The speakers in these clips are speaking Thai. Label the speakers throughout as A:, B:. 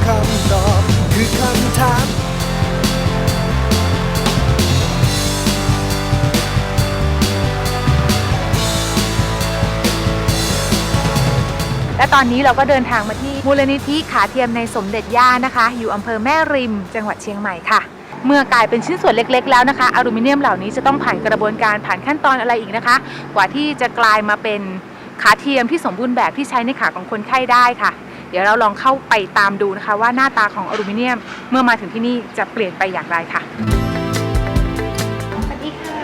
A: คำตอบคือคำถาม
B: และตอนนี้เราก็เดินทางมาที่มูลนิธิขาเทียมในสมเด็จย่านะคะอยู่อำเภอแม่ริมจังหวัดเชียงใหม่ค่ะเมื่อกลายเป็นชิ้นส่วนเล็กๆแล้วนะคะอลูมิเนียมเหล่านี้จะต้องผ่านกระบวนการผ่านขั้นตอนอะไรอีกนะคะกว่าที่จะกลายมาเป็นขาเทียมที่สมบูรณ์แบบที่ใช้ในขาของคนไข้ได้ค่ะเดี๋ยวเราลองเข้าไปตามดูนะคะว่าหน้าตาของอลูมิเนียมเมื่อมาถึงที่นี่จะเปลี่ยนไปอย่างไรค่ะสวัสดีค่ะ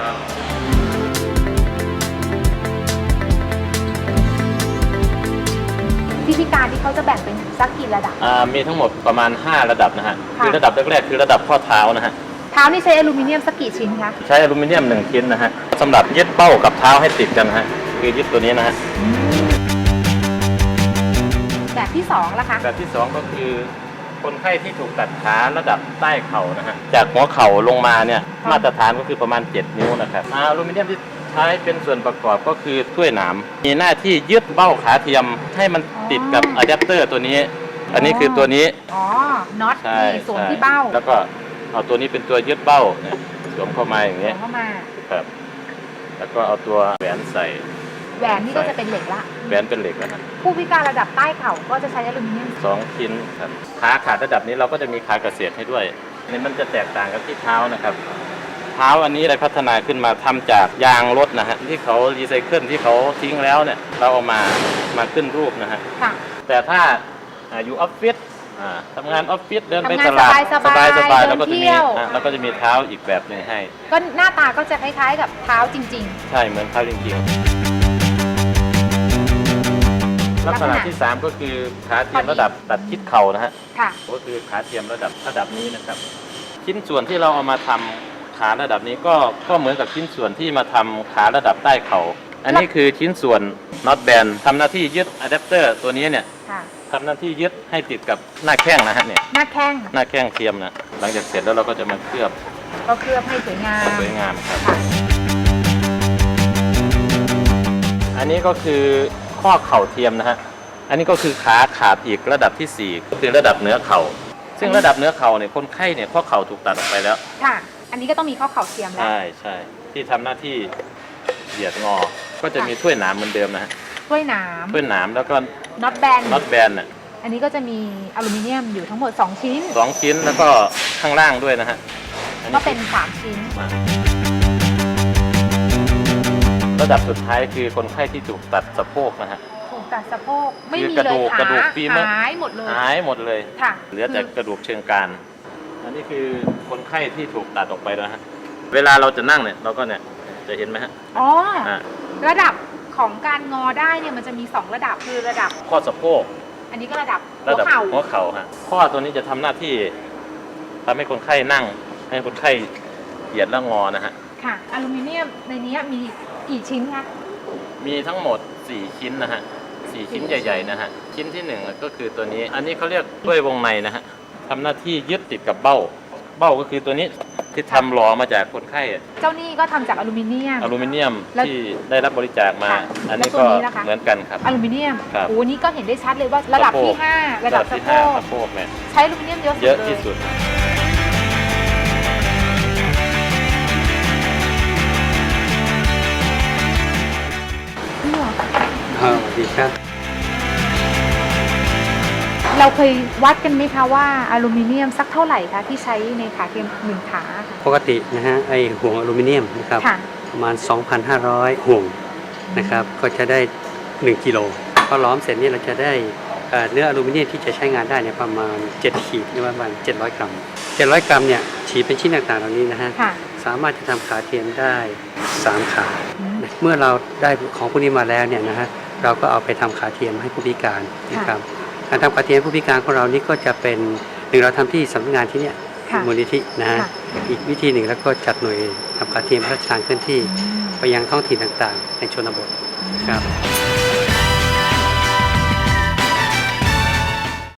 B: ที่พิการที่เขาจะแบ่งเป็นสักกี่ระดับ
C: มีทั้งหมดประมาณ5ระดับนะฮะคือระดับแรกๆคือระดับข้อเท้านะฮะ
B: เท้านี่ใช้อลูมิเนียมสักกี่ชิ้นคะ
C: ใช้อลูมิเนียม1ชิ้นนะฮะสำหรับยึดเป้ากับเท้าให้ติดกันนะฮะคือยึดตัวนี้นะฮะ
B: แบบที่2ล่ะคะ
C: แบบที่2ก็คือคนไข้ที่ถูกตัดขาระดับใต้เข่านะฮะจากหัวเข่าลงมาเนี่ยมาตรฐานก็คือประมาณ7นิ้วนะครับอลูมิเนียมที่ใช้เป็นส่วนประกอบก็คือถ้วยหนามมีหน้าที่ยึดเบ้าขาเทียมให้มันติดกับอะแดปเตอร์ตัวนี้อันนี้คือตัวนี้
B: น็อตที่สวมที่เบ้า
C: แล้วก็เอาตัวนี้เป็นตัวยึดเบ้าเนี่ยสวมเข้ามาอย่างเงี้ย
B: เข้ามา
C: ครับแล้วก็เอาตัวแหวนใส่
B: แหวนนี่ก็จะเป็นเหล็กละ
C: แหวนเป็นเหล็กนะ
B: ผู้พิการระดับใต้เข่าก็จะใช้อลูมิเนียม
C: 2ชิ้นครับขาขาดระดับนี้เราก็จะมีขาเกษตรให้ด้วยนี่มันจะแตกต่างกับที่เท้านะครับเท้าอันนี้ได้พัฒนาขึ้นมาทำจากยางรถนะฮะที่เขารีไซเคิลที่เขาทิ้งแล้วเนี่ยเราเอามาขึ้นรูปนะฮะแต่ถ้าอยู่ออฟฟิศทำงานออฟฟิศเดินไปตลาดสบายแล้วก็จะมีเท้าอีกแบบนึงให้
B: ก็หน้าตาก็จะคล้ายๆกับเท้าจริง
C: ๆใช่เหมือนเท้าจริงๆลักษณะที่3ก็คือขาเทียมระดับตัดคิดเข่านะฮะก็คือขาเทียมระดับนี้นะครับชิ้นส่วนที่เราเอามาทำขาระดับนี้ก็เหมือนกับชิ้นส่วนที่มาทำขาระดับใต้เข่าอันนี้คือชิ้นส่วนน็อตแบนทำหน้าที่ยึดอะแดปเตอร์ตัวนี้เนี่ยทำหน้าที่ยึดให้ติดกับหน้าแข้งนะฮะเนี่ยหน้าแข้งเทียมนะหลังจากเสร็จแล้วเราก็จะมาเคลือบ
B: ให้สวยงาม
C: ครับอันนี้ก็คือข้อเข่าเทียมนะฮะอันนี้ก็คือขาขาดอีกระดับที่4ก็คือระดับเหนือเข่าซึ่งระดับเหนือเข่าเนี่ยคนไข้เนี่ยข้อเข่าถูกตัดออกไปแล้ว
B: ค่ะอันนี้ก็ต้องมีข้อเข่าเทียมแล้ว
C: ใช่ที่ทำหน้าที่เหยียดงอก็จะมีถ้วยหนามเหมือนเดิมนะฮะ
B: ถ้วยหนาม
C: แล้วก็
B: น็อตแบน
C: น่ะ
B: อันนี้ก็จะมีอลูมิเนียมอยู่ทั้งหมด2ชิ้น
C: แล้วก็ข้างล่างด้วยนะฮะ
B: ก็เป็น3ชิ้น
C: ระดับสุดท้ายคือคนไข้ที่ถูกตัดสะโพกนะฮะ
B: ถูกตัดสะโพกไม่มีเลย
C: กระดูกฟีเมอร์
B: หายหมดเลย
C: ค่ะเหลือแต่กระดูกเชิงกรานอันนี้คือคนไข้ที่ถูกตัดออกไปแล้วฮะเวลาเราจะนั่งเนี่ยเราก็เนี่ยจะเห็นไหมฮะ
B: ระดับของการงอได้เนี่ยมันจะมี2ระดับคือระดับ
C: ข้อสะโพก
B: อันนี้ก็ระดับ
C: หัวเข่าฮะข้อตัวนี้จะทำหน้าที่ทำให้คนไข้นั่งให้คนไข้เหยียดและงอนะฮะ
B: ค่ะอลูมิเนียมในนี้มีกี่ชิ้นคะ
C: มีทั้งหมด4ชิ้นนะฮะ4ชิ้นใหญ่ๆนะฮะชิ้นที่1ก็คือตัวนี้อันนี้เขาเรียกด้วยวงในนะฮะทำหน้าที่ยึดติดกับเบ้าก็คือตัวนี้ที่ทำหล่อมาจากคนไข้
B: เจ้านี่ก็ทำจากอลูมิเนียม
C: ที่ได้รับบริจาคมาอันนี้ก็เหมือนกันครับ
B: อลูมิเนียมโอ้นี่ก็เห็นได้ชัดเลยว่าระดับที่5ระดับสะโพก
C: เนี่ย
B: ใช้อลูมิเนียมเยอะ
C: ที่สุด
A: ดีครับ
B: เราเคยวัดกันไหมคะว่าอลูมิเนียมสักเท่าไหร่คะที่ใช้ในขาเทียม1ขา
A: ปกตินะฮะไอห่วงอลูมิเนียมนะครับประมาณ 2,500 ห่วงนะครับก็จะได้1กิโลพอล้อมเสร็จนี่เราจะได้เนื้ออลูมิเนียมที่จะใช้งานได้เนี่ยประมาณ7ขีดหรือประมาณ700 กรัม700 กรัมเนี่ยฉีดเป็นชิ้นต่างๆเหล่านี้นะฮะสามารถจะทำขาเทียมได้3ขาเมื่อเราได้ของพวกนี้มาแล้วเนี่ยนะฮะเราก็เอาไปทำขาเทียมให้ผู้พิการนะครับการทำขาเทียมผู้พิการของเรานี่ก็จะเป็นเราทำที่สำนักงานที่เนี่ยมูลนิธินะฮะอีกวิธีหนึ่งแล้วก็จัดหน่วยทำขาเทียมพระราชทานเคลื่อนที่ไปยังท้องถิ่นต่างๆในชนบทครับ